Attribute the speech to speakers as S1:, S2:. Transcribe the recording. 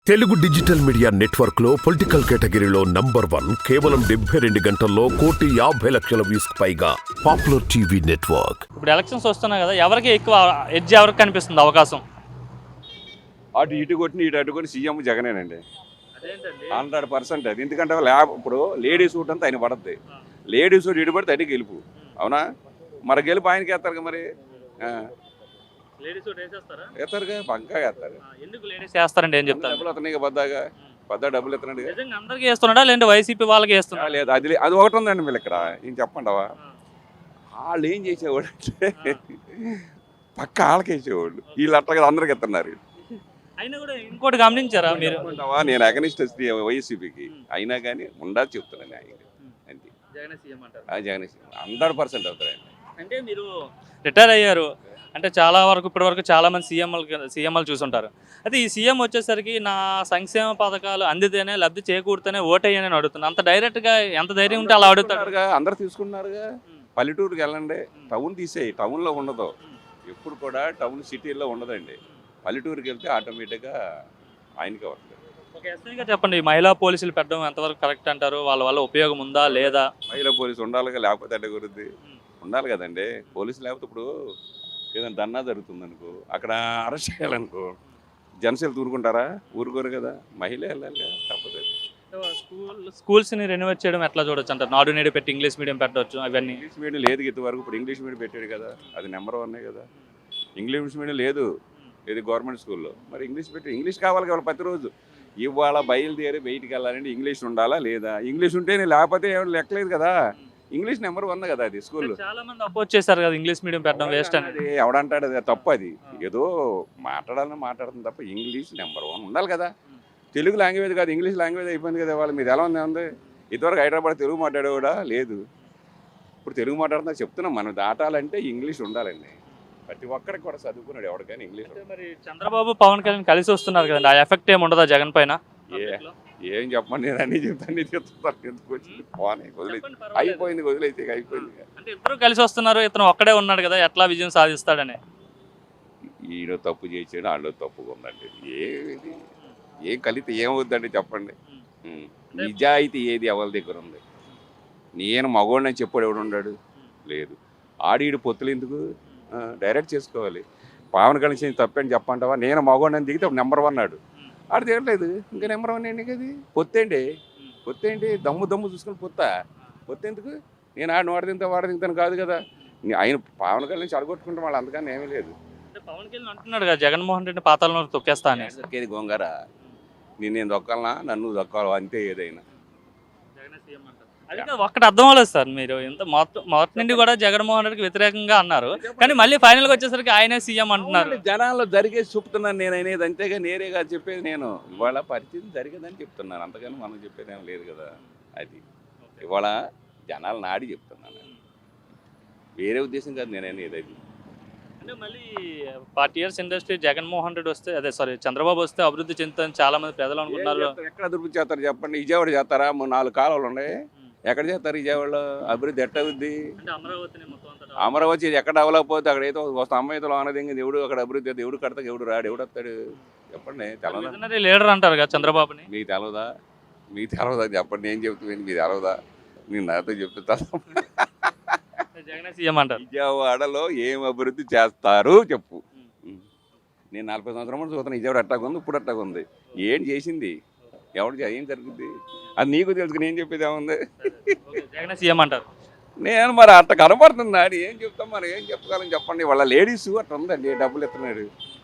S1: Telugu digital media network లో political కేటగిరీలో number 1 కేవలం 72 గంటల్లో 1,50,00,000 వ్యూస్ పైగా పాపులర్ టీవీ నెట్వర్క్.
S2: ఇప్పుడు ఎలక్షన్స్ వస్తున్నాయి కదా, ఎవరికి ఎక్కువ ఎడ్జ్ ఎవరికి కనిపిస్తుంది అవకాశం?
S3: అటు ఇటు కొట్టిన ఇటు అటు కొట్టి సీఎం జగనేనండి. 100% అది. ఎందుకంటే ఇప్పుడు లేడీస్ సూట్ అంతా ఆయన పడద్ది. లేడీస్ సూట్ ఇటు పడితే అటు గెలుపు, అవునా? మరి గెలుపు ఆయనకి వేస్తారు కదా. మరి వేస్తారుగా, పక్కా వేస్తారు.
S2: ఎందుకు లేడీస్ వేస్తారండి? ఏం చెప్తారు?
S3: డబ్బులు అతనికి పెద్ద డబ్బులు ఎత్తున్నాడు.
S2: అందరికి వేస్తున్నాడా లేదంటే వైసీపీ వాళ్ళకి వేస్తున్నా?
S3: లేదు, అది ఒకటి ఉందండి. వీళ్ళు ఇక్కడ ఏం చెప్పండవా, వాళ్ళు ఏం చేసేవాళ్ళు అంటే పక్క వాళ్ళకి వేసేవాళ్ళు. వీళ్ళు అట్లా కదా అందరికి ఎత్తున్నారు.
S2: అయినా కూడా ఇంకోటి గమనించారా మీరు?
S3: నేను అగనిస్ట్ వైసీపీకి అయినా కానీ ఉండాలి చెప్తున్నాను. అంతే, జగన్ 100% అవుతారండి.
S2: అంటే మీరు రిటైర్ అయ్యారు అంటే చాలా వరకు ఇప్పటి వరకు చాలా మంది సీఎంలు చూసుంటారు. అయితే ఈ సీఎం వచ్చేసరికి నా సంక్షేమ పథకాలు అందితేనే లబ్ధి చేకూరితేనే ఓటయ్యని అడుగుతున్నా. అంత డైరెక్ట్గా ఎంత ధైర్యం ఉంటే అలా అడుగుతారు.
S3: అందరు తీసుకున్నారుగా. పల్లెటూరుకి వెళ్ళండి, టౌన్ తీసేయి. టౌన్లో ఉండదు ఎప్పుడు కూడా, టౌన్ సిటీల్లో ఉండదండి. పల్లెటూరుకి వెళ్తే ఆటోమేటిక్గా ఆయనకే వస్తుంది.
S2: ఒక ఎస్ఐగా చెప్పండి, మహిళా పోలీసులు పెట్టడం ఎంతవరకు కరెక్ట్ అంటారు? వాళ్ళ వల్ల ఉపయోగం ఉందా లేదా?
S3: మహిళా పోలీసు ఉండాలిగా, లేకపోతే అంటే గురించి ఉండాలి కదండి. పోలీసు లేకపోతే ఇప్పుడు ఏదైనా దన్నా జరుగుతుంది అనుకో, అక్కడ అరెస్ట్ చేయాలనుకో, జనసేలు ఊరుకుంటారా? ఊరుకోరు కదా. మహిళ వెళ్ళాలి కదా, తప్పదు.
S2: స్కూల్స్ని రెన్యువేట్ చేయడం ఎట్లా చూడొచ్చు అంటారు? నాడు నేడు పెట్టి ఇంగ్లీష్ మీడియం పెట్టవచ్చు. అవన్నీ
S3: ఇంగ్లీష్ మీడియం లేదు ఇంతవరకు. ఇప్పుడు ఇంగ్లీష్ మీడియం పెట్టాడు కదా, అది నెంబర్ 1 కదా. ఇంగ్లీష్ మీడియం లేదు ఇది గవర్నమెంట్ స్కూల్లో. మరి ఇంగ్లీష్ పెట్టి ఇంగ్లీష్ కావాలి కదా ప్రతిరోజు. ఇవాళ బయలుదేరి బయటికి వెళ్ళాలంటే ఇంగ్లీష్ ఉండాలా లేదా? ఇంగ్లీష్ ఉంటేనే, లేకపోతే ఏమైనా లెక్కలేదు కదా. ఇంగ్లీష్ నెంబర్ 1 కదా అది స్కూల్లో.
S2: చాలా మంది అపోజ్ చేశారు కదా ఇంగ్లీష్ మీడియం పెట్టడం వేస్ట్ అని.
S3: అది ఎవడంటాడు? అది తప్పు. అది ఏదో మాట్లాడుతుంది తప్ప ఇంగ్లీష్ నెంబర్ 1 ఉండాలి కదా. తెలుగు లాంగ్వేజ్ కాదు, ఇంగ్లీష్ లాంగ్వేజ్ అయిపోయింది కదా. వాళ్ళు మీరు ఎలా ఉంది? ఇదివరకు హైదరాబాద్ తెలుగు మాట్లాడేవాడా? లేదు. ఇప్పుడు తెలుగు మాట్లాడుతున్నా చెప్తున్నాం. మనం దాటాలంటే ఇంగ్లీష్ ఉండాలండి. ప్రతి ఒక్కరికి కూడా చదువుకున్నాడు ఎవరికైనా ఇంగ్లీష్.
S2: మరి చంద్రబాబు పవన్ కళ్యాణ్ కలిసి వస్తున్నారు కదండి, ఆ ఎఫెక్ట్ ఏమి ఉండదా జగన్ పైన?
S3: ఏం చెప్పండి, నేను అన్నీ చెప్తాను. చెప్తాను ఎందుకు వచ్చి అయిపోయింది, వదిలేసి అయిపోయింది.
S2: అంటే ఇద్దరు కలిసి వస్తున్నారు, ఇతను ఒక్కడే ఉన్నాడు కదా, ఎట్లా విజయం సాధిస్తాడని?
S3: ఈయన తప్పు చేసాడు, వాళ్ళు తప్పుగా ఉందండి. ఏం కలితే ఏమవుద్దండి చెప్పండి. నిజాయితీ ఏది ఎవరి దగ్గర ఉంది? నేను మగోడిని చెప్పాడు ఎవడు ఉన్నాడు? లేదు. ఆడీడు పొత్తులు ఎందుకు? డైరెక్ట్ చేసుకోవాలి. పవన్ కళ్యాణ్ తప్పని చెప్పంటావా? నేను మగోడిని దిగితే నెంబర్ 1 అన్నాడు. ఆడు తిరగలేదు, ఇంకా నెంబర్ 1 ఏంటి కదా. పొత్తేంటి దమ్ము చూసుకుని పొత్తెందుకు? నేను ఆడిని వాడు తింటాను కాదు కదా. ఆయన పవన్ కళ్యాణ్ చెడగొట్టుకుంటే వాళ్ళు అంతకన్నా ఏమీ లేదు.
S2: పవన్ కళ్యాణ్ అంటున్నాడు కదా జగన్మోహన్ రెడ్డి పాతాలను తొక్కేస్తా అని.
S3: దొక్కేది గోంగార. నేను దొక్కాలనా? నన్ను దొక్కాలి అంతే. ఏదైనా
S2: అది ఒక్కటి అర్థం అవ్వలేదు సార్. మీరు ఇంత మొదటి నుండి కూడా జగన్మోహన్ రెడ్డికి వ్యతిరేకంగా అన్నారు, కానీ మళ్ళీ ఫైనల్గా వచ్చేసరికి ఆయనే సీఎం అంటున్నారు.
S3: జనాల్లో జరిగేది చెప్తున్నాను నేను. అనేది అంతేగా నేరేగా చెప్పేది. నేను ఇవాళ పరిస్థితి జరిగేదని చెప్తున్నాను, అంతగాని మనం చెప్పేది ఏం లేదు కదా. అది ఇవాళ జనాలు నాడి చెప్తున్నాను, వేరే ఉద్దేశం కాదు నేను అనేది.
S2: అంటే మళ్ళీ 40 years ఇండస్ట్రీ జగన్మోహన్ రెడ్డి వస్తే, చంద్రబాబు వస్తే అభివృద్ధి చెందుతుందని చాలా మంది ప్రజలు అనుకుంటున్నారు.
S3: ఎక్కడ అభివృద్ధి చేస్తారు చెప్పండి? విజయవాడ చేస్తారా? 4 కాలువలు ఉన్నాయి, ఎక్కడ చేస్తారు విజయవాడలో? అభివృద్ధి ఎట్ట అవుద్ది? అమరావతి ఎక్కడ అవ్వలేకపోతే అక్కడ ఏదో వస్తా అమ్మాయితో అనదింది. ఎవడు అక్కడ అభివృద్ధి? ఎవడు కడతాడు? ఎవడు రాడు? ఎవడు వస్తాడు చెప్పండి? తెలవదా?
S2: లీడర్ అంటారు కదా చంద్రబాబుని.
S3: మీకు తెలవదా? చెప్పండి. నేను చెప్తున్నాను, మీకు తెలవదా? నేను నాతో చెప్తాను. విజయవాడలో ఏం అభివృద్ధి చేస్తారు చెప్పు. నేను 40 సంవత్సరాల చూస్తాను విజయవాడ అట్టాగా ఉంది, ఇప్పుడు అట్టాగా ఉంది. ఏం చేసింది? ఏం జరుగుద్ది? అది నీకు తెలుసు. నేను చెప్పేది ఏముంది? నేను మరి అట్ట కనపడుతుంది. ఏం చెప్తాం? మరి ఏం చెప్పగలను చెప్పండి? వాళ్ళ లేడీస్ అట్లా ఉందండి, డబ్బులు ఎత్తున్నాడు.